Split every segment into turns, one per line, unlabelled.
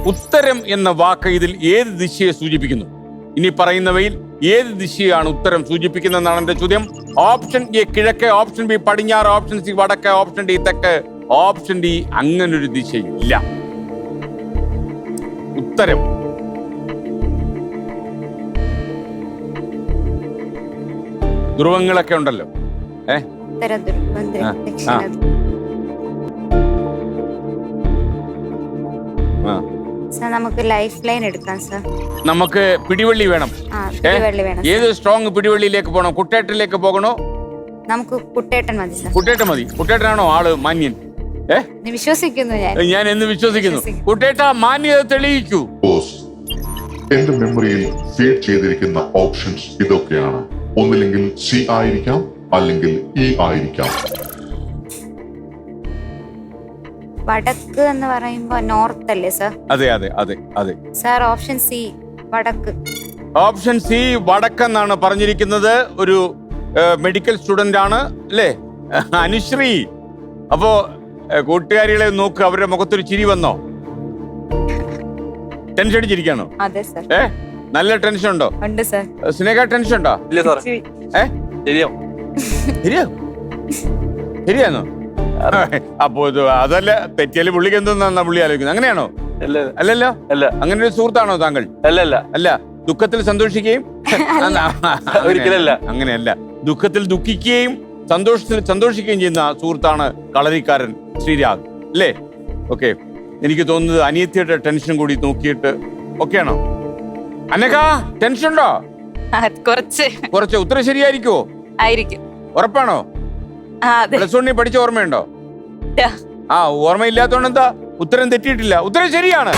ഉത്തരം എന്ന വാക്ക് ഇതിൽ ഏത് ദിശയെ സൂചിപ്പിക്കുന്നു? ഇനി പറയുന്നവയിൽ ഏത് ദിശയാണ് ഉത്തരം സൂചിപ്പിക്കുന്നതെന്നാണ് എന്റെ ചോദ്യം. ഓപ്ഷൻ എ കിഴക്ക്, ഓപ്ഷൻ ബി പടിഞ്ഞാറ്, ഓപ്ഷൻ സി വടക്ക്, ഓപ്ഷൻ ഡി തെക്ക്, ഓപ്ഷൻ ഡി അങ്ങനൊരു ദിശയില്ല. ഉത്തരം ധ്രുവങ്ങളൊക്കെ ഉണ്ടല്ലോ.
നമുക്ക് ലൈഫ് ലൈൻ എടുക്കാം സർ.
നമുക്ക് പിടിവള്ളി വേണം. ഏത് സ്ട്രോങ് പിടിവള്ളിയിലേക്ക് പോകണം? കുട്ടേട്ടനിലേക്ക് പോകണോ?
നമുക്ക് കുട്ടേട്ടൻ മതി സർ.
കുട്ടേട്ടൻ മതി. കുട്ടേട്ടനാണോ ആള് മാന്യൻ?
വിശ്വസിക്കുന്നു
ഞാൻ എന്ന് വിശ്വസിക്കുന്നു. കുട്ടേട്ട മാന്യത തെളിയിക്കൂ.
എന്റെ മെമ്മറിയിൽ ഫീഡ് ചെയ്തിരിക്കുന്ന ഓപ്ഷൻസ് ഇതൊക്കെയാണ്. ഒന്നില്ലെങ്കിൽ സി ആയിരിക്കാം, അല്ലെങ്കിൽ ഇ ആയിരിക്കാം.
വടക്ക് എന്ന് പറയുമ്പോ നോർത്ത് അല്ലേ സർ?
അതെ അതെ അതെ അതെ
സർ. ഓപ്ഷൻ സി വടക്ക്.
ഓപ്ഷൻ സി വടക്കെന്നാണ് പറഞ്ഞിരിക്കുന്നത്. ഒരു മെഡിക്കൽ സ്റ്റുഡന്റ് ആണ് അല്ലേ അനുശ്രീ? അപ്പോ കൂട്ടുകാരികളെ നോക്ക്, അവരുടെ മുഖത്തൊരു ചിരി വന്നോ? ടെൻഷൻ അടിച്ചിരിക്കാണോ?
അതെ സർ.
നല്ല ടെൻഷൻ ഉണ്ടോ?
ഉണ്ട് സർ.
സ്നേഹ ടെൻഷൻ ഉണ്ടോ?
ഇല്ല സാർ.
ശരിയാണോ? അപ്പോ അതല്ല, തെറ്റിയാല് പുള്ളിക്ക് എന്തെന്നാ പുള്ളി ആലോചിക്കുന്നത്? അങ്ങനെയാണോ? അല്ലല്ലോ. അല്ല. അങ്ങനെ ഒരു സുഹൃത്താണോ താങ്കൾ? അല്ല. ദുഃഖത്തിൽ സന്തോഷിക്കുകയും
ഒരിക്കലല്ല.
അങ്ങനെയല്ല. ദുഃഖത്തിൽ ദുഃഖിക്കുകയും സന്തോഷത്തിൽ സന്തോഷിക്കുകയും ചെയ്യുന്ന സുഹൃത്താണ് കളരിക്കാരൻ ശ്രീരാഗ് അല്ലേ? ഓക്കെ. എനിക്ക് തോന്നുന്നത് അനിയത്തിയുടെ ടെൻഷൻ കൂടി നോക്കിയിട്ട് ഓക്കെയാണോ? അനക ടെൻഷൻ ഉണ്ടോ? കുറച്ച്. ഉത്തരം ശരിയായിരിക്കുമോ?
ആയിരിക്കും.
ഉറപ്പാണോ? പ്ലസ് വണ്ണിൽ പഠിച്ച ഓർമ്മയുണ്ടോ? ഓർമ്മയില്ലാത്തോണ്ട് എന്താ? ഉത്തരം തെറ്റിയിട്ടില്ല. ഉത്തരം ശരിയാണ്.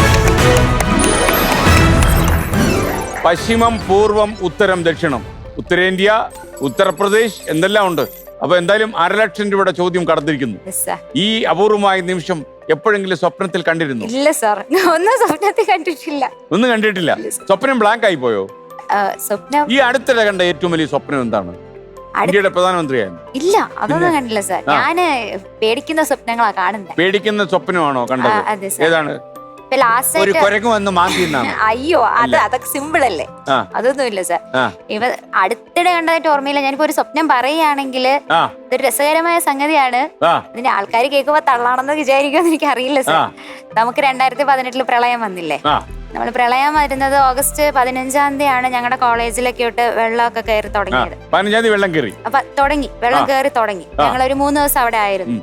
പശ്ചിമം, പൂർവം, ഉത്തരം, ദക്ഷിണം, ഉത്തരേന്ത്യ, ഉത്തർപ്രദേശ് എന്തെല്ലാം ഉണ്ട്. അപ്പൊ എന്തായാലും 1,00,000 രൂപയുടെ ചോദ്യം കടന്നിരിക്കുന്നു. ഈ അപൂർവമായ നിമിഷം എപ്പോഴെങ്കിലും സ്വപ്നത്തിൽ കണ്ടിരുന്നു?
ഇല്ല സാർ, ഒന്നും സ്വപ്നത്തിൽ കണ്ടിട്ടില്ല.
ഒന്നും കണ്ടിട്ടില്ല. സ്വപ്നം ബ്ലാങ്ക് ആയി പോയോ?
സ്വപ്നം
ഈ അടുത്തിടെ കണ്ട ഏറ്റവും വലിയ സ്വപ്നം എന്താണ്? ഇന്ത്യയുടെ പ്രധാനമന്ത്രിയായിരുന്നു.
ഇല്ല, അതൊന്നും കണ്ടില്ല സാർ. ഞാന് പേടിക്കുന്ന സ്വപ്നങ്ങളാ കാണുന്നത്.
പേടിക്കുന്ന സ്വപ്നമാണോ കണ്ടത്? ഏതാണ്? ഒരു കുരങ്ങ് വന്ന് മാന്തിയെന്നാണ്.
അയ്യോ, അതൊക്കെ സിമ്പിൾ അല്ലേ, അതൊന്നും ഇല്ല സാർ. ഇവ അടുത്തിടെ കണ്ടതായിട്ട് ഓർമ്മയില്ല. ഞാനിപ്പോ ഒരു സ്വപ്നം പറയുകയാണെങ്കിൽ ഇതൊരു രസകരമായ സംഗതിയാണ്. ഇതിന്റെ ആൾക്കാർ കേൾക്കുമ്പോ തള്ളാണെന്ന് വിചാരിക്കുമെന്ന് എനിക്ക് അറിയില്ല സാർ. നമുക്ക് 2018 പ്രളയം വന്നില്ലേ? നമ്മൾ പ്രളയം വരുന്നത് ഓഗസ്റ്റ് 15-ാം തീയതിയാണ്. ഞങ്ങളുടെ കോളേജിലൊക്കെ ഇട്ട് വെള്ളമൊക്കെ കയറി തുടങ്ങിയത്.
15-ാം തീയതി വെള്ളം കയറി
കയറി തുടങ്ങി. ഞങ്ങൾ ഒരു 3 ദിവസം അവിടെ ആയിരുന്നു.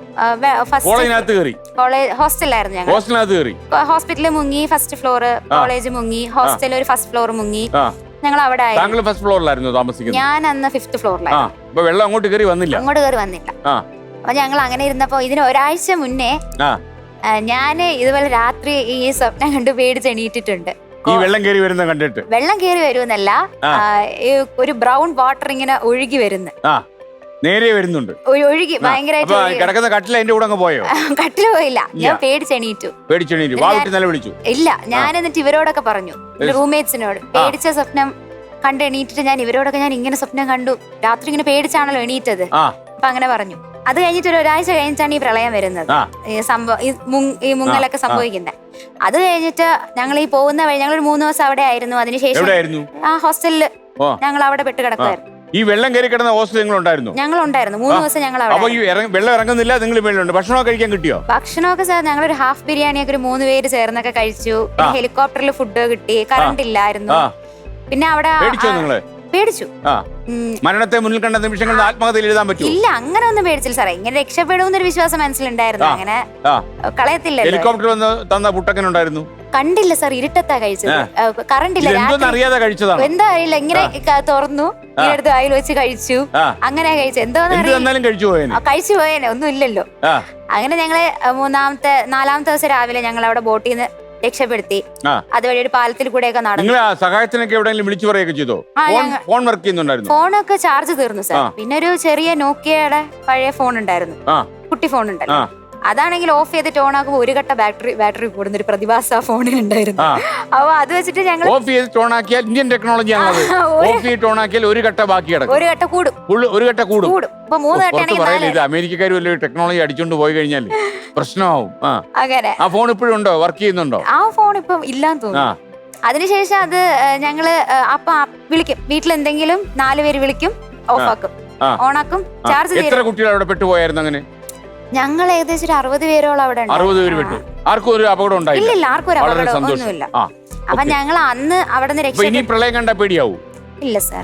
ഹോസ്റ്റലിലായിരുന്നു ഞങ്ങൾ. ഹോസ്പിറ്റലിൽ മുങ്ങി, ഫസ്റ്റ് ഫ്ലോർ. കോളേജ് മുങ്ങി, ഹോസ്റ്റലിൽ ഒരു ഫസ്റ്റ് ഫ്ലോർ മുങ്ങി. ഞങ്ങൾ അവിടെ ആയിരുന്നു.
ഫസ്റ്റ് ഫ്ലോറിലായിരുന്നു താമസിക്കുന്നത്.
ഞാൻ അന്ന് 5th ഫ്ലോറിലായിരുന്നു.
വെള്ളം അങ്ങോട്ട് കയറി വന്നില്ല.
അപ്പൊ ഞങ്ങൾ അങ്ങനെ ഇരുന്നപ്പോ ഇതിന് ഒരാഴ്ച മുന്നേ ഞാന് ഇതുപോലെ രാത്രി ഈ സ്വപ്നം കണ്ട് പേടിച്ച് എണീറ്റിട്ടുണ്ട്.
ഈ വെള്ളം കയറി വരുന്ന കണ്ടിട്ട്?
വെള്ളം കയറി വരുന്നല്ല, ഒരു ബ്രൗൺ വാട്ടർ ഇങ്ങനെ ഒഴുകി വരുന്നു.
നേരെ വരുന്നുണ്ട്.
ഒഴുകി ഭയങ്കരമായിട്ട്.
കിടക്കുന്ന കട്ടിൽ അതിന്റെ കൂടെ പോയോ?
കട്ടില് പോയില്ല, ഞാൻ പേടിച്ചെണീറ്റു. ഇല്ല, ഞാൻ എന്നിട്ട് ഇവരോടൊക്കെ പറഞ്ഞു, റൂംമേറ്റ്സിനോട്, പേടിച്ച സ്വപ്നം കണ്ട് എണീറ്റിട്ട് ഞാൻ ഇവരോടൊക്കെ ഞാൻ ഇങ്ങനെ സ്വപ്നം കണ്ടു, രാത്രി ഇങ്ങനെ പേടിച്ചാണല്ലോ എണീറ്റത്. അപ്പൊ അങ്ങനെ പറഞ്ഞു. അത് കഴിഞ്ഞിട്ട് ഒരാഴ്ച കഴിഞ്ഞിട്ടാണ് ഈ പ്രളയം വരുന്നത്, ഈ മുങ്ങലൊക്കെ സംഭവിക്കുന്നത്. അത് കഴിഞ്ഞിട്ട് ഞങ്ങൾ ഈ പോകുന്ന വഴി ഞങ്ങളൊരു 3 ദിവസം അവിടെ ആയിരുന്നു. അതിനുശേഷം ആ ഹോസ്റ്റലില് ഞങ്ങൾ അവിടെ പെട്ട് കിടക്കുമായിരുന്നു.
ഈ വെള്ളം കയറി കിടന്ന ഹോസ്റ്റൽ
ഞങ്ങൾ ഉണ്ടായിരുന്നു 3 ദിവസം. ഞങ്ങൾ
വെള്ളം ഇറങ്ങുന്നില്ല, നിങ്ങൾ വെള്ളമുണ്ട്. ഭക്ഷണമൊക്കെ കഴിക്കാൻ കിട്ടിയോ?
ഭക്ഷണമൊക്കെ സാർ ഞങ്ങളൊരു ഹാഫ് ബിരിയാണിയൊക്കെ ഒരു 3 പേര് ചേർന്നൊക്കെ കഴിച്ചു. ഹെലികോപ്റ്ററിൽ ഫുഡ് കിട്ടി. കറണ്ട് ഇല്ലായിരുന്നു. പിന്നെ അവിടെ പേടിച്ചു.
മരണത്തെ മുന്നിൽ കണ്ട നിമിഷങ്ങളിൽ ആത്മകഥയിൽ എഴുതാൻ പറ്റും?
ഇല്ല, അങ്ങനെ ഒന്നും പേടിച്ചില്ല സാറേ. ഇങ്ങനെ രക്ഷപ്പെടുമെന്നൊരു വിശ്വാസം മനസ്സിലുണ്ടായിരുന്നു. അങ്ങനെ കളയത്തില്ല.
ഹെലികോപ്റ്റർ വന്ന് തന്ന പുട്ടക്കൻ ഉണ്ടായിരുന്നു?
കണ്ടില്ല സാർ, ഇരുട്ടത്താ കഴിച്ചത്. കറണ്ട് ഇല്ല. എന്താ അറിയില്ല, ഇങ്ങനെ തുറന്നു, എടുത്ത് വായിൽ വെച്ച് കഴിച്ചു. അങ്ങനെ കഴിച്ചു. കഴിച്ചു പോയേനെ, ഒന്നും ഇല്ലല്ലോ. അങ്ങനെ ഞങ്ങള് 4-ാമത്തെ ദിവസം രാവിലെ ഞങ്ങൾ അവിടെ ബോട്ടിൽ നിന്ന് രക്ഷപ്പെടുത്തി. അതുവഴി ഒരു പാലത്തിൽ കൂടെയൊക്കെ നടന്നു.
സഹായത്തിനൊക്കെ എവിടെയെങ്കിലും വിളിച്ചു പറയുകയൊക്കെ ചെയ്തോ? ഫോൺ വർക്ക് ചെയ്യുന്നുണ്ടായിരുന്നു?
ഫോണൊക്കെ ചാർജ് തീർന്നു സാർ. പിന്നെ ഒരു ചെറിയ നോക്കിയയുടെ പഴയ ഫോൺ ഉണ്ടായിരുന്നു, കുട്ടി ഫോൺ ഉണ്ടായിരുന്നു. അതാണെങ്കിൽ ഓഫ് ചെയ്തിട്ട് ഓൺ ആക്കുമ്പോൾ ഒരു കട്ട ബാറ്ററി കൂടുന്ന ഒരു പ്രതിഭാസ ഫോണിലുണ്ടായിരുന്നു.
ആ.
അപ്പൊ അത് വെച്ചിട്ട് ഞങ്ങൾ
ഓഫ് ചെയ്ത് ഓൺ ആക്കിയാൽ ഇന്ത്യൻ ടെക്നോളജി ആണത്. ഓഫ് ചെയ്തിട്ട് ഓൺ ആക്കിയാൽ ഒരു കട്ട ബാക്കി കിടക്കും.
ഒരു കട്ട കൂടും.
ഒരു കട്ട കൂടും.
അപ്പൊ 3 കട്ടയാണെങ്കിൽ
പറയുന്നത് ഇത് അമേരിക്കക്കാർ വലിയ ടെക്നോളജി അടിച്ചോണ്ട് പോയി കഴിഞ്ഞാൽ പ്രശ്നമാവും.
അങ്ങനെ
ആ ഫോൺ ഇപ്പോഴും ഉണ്ടോ, വർക്ക് ചെയ്യുന്നുണ്ടോ?
ആ ഫോൺ ഇപ്പം ഇല്ലാന്ന് തോന്നുന്നു. അതിനുശേഷം അത് ഞങ്ങള് അപ്പൊ വിളിക്കും, വീട്ടിൽ എന്തെങ്കിലും 4 പേര് വിളിക്കും, ഓഫാക്കും, ഓണാക്കും, ചാർജ് ചെയ്യും.
എത്ര കുട്ടികൾ അവിടെ പെട്ടുപോയായിരുന്നു അങ്ങനെ?
ഞങ്ങൾ ഏകദേശം ഒരു 60 പേരോളം അവിടെ
60 പേര് പെട്ടു. ആർക്കും ഒരു അപകടം ഉണ്ടായില്ല?
ഇല്ല, ആർക്കും ഒരു
വളരെ
അപകടം
സന്തോഷം.
ഒന്നുമില്ല. അപ്പൊ ഞങ്ങൾ അന്ന് അവിടെ നിന്ന്
ഇനി പ്രളയം കണ്ട പേടിയാവൂ?
ഇല്ല സാർ.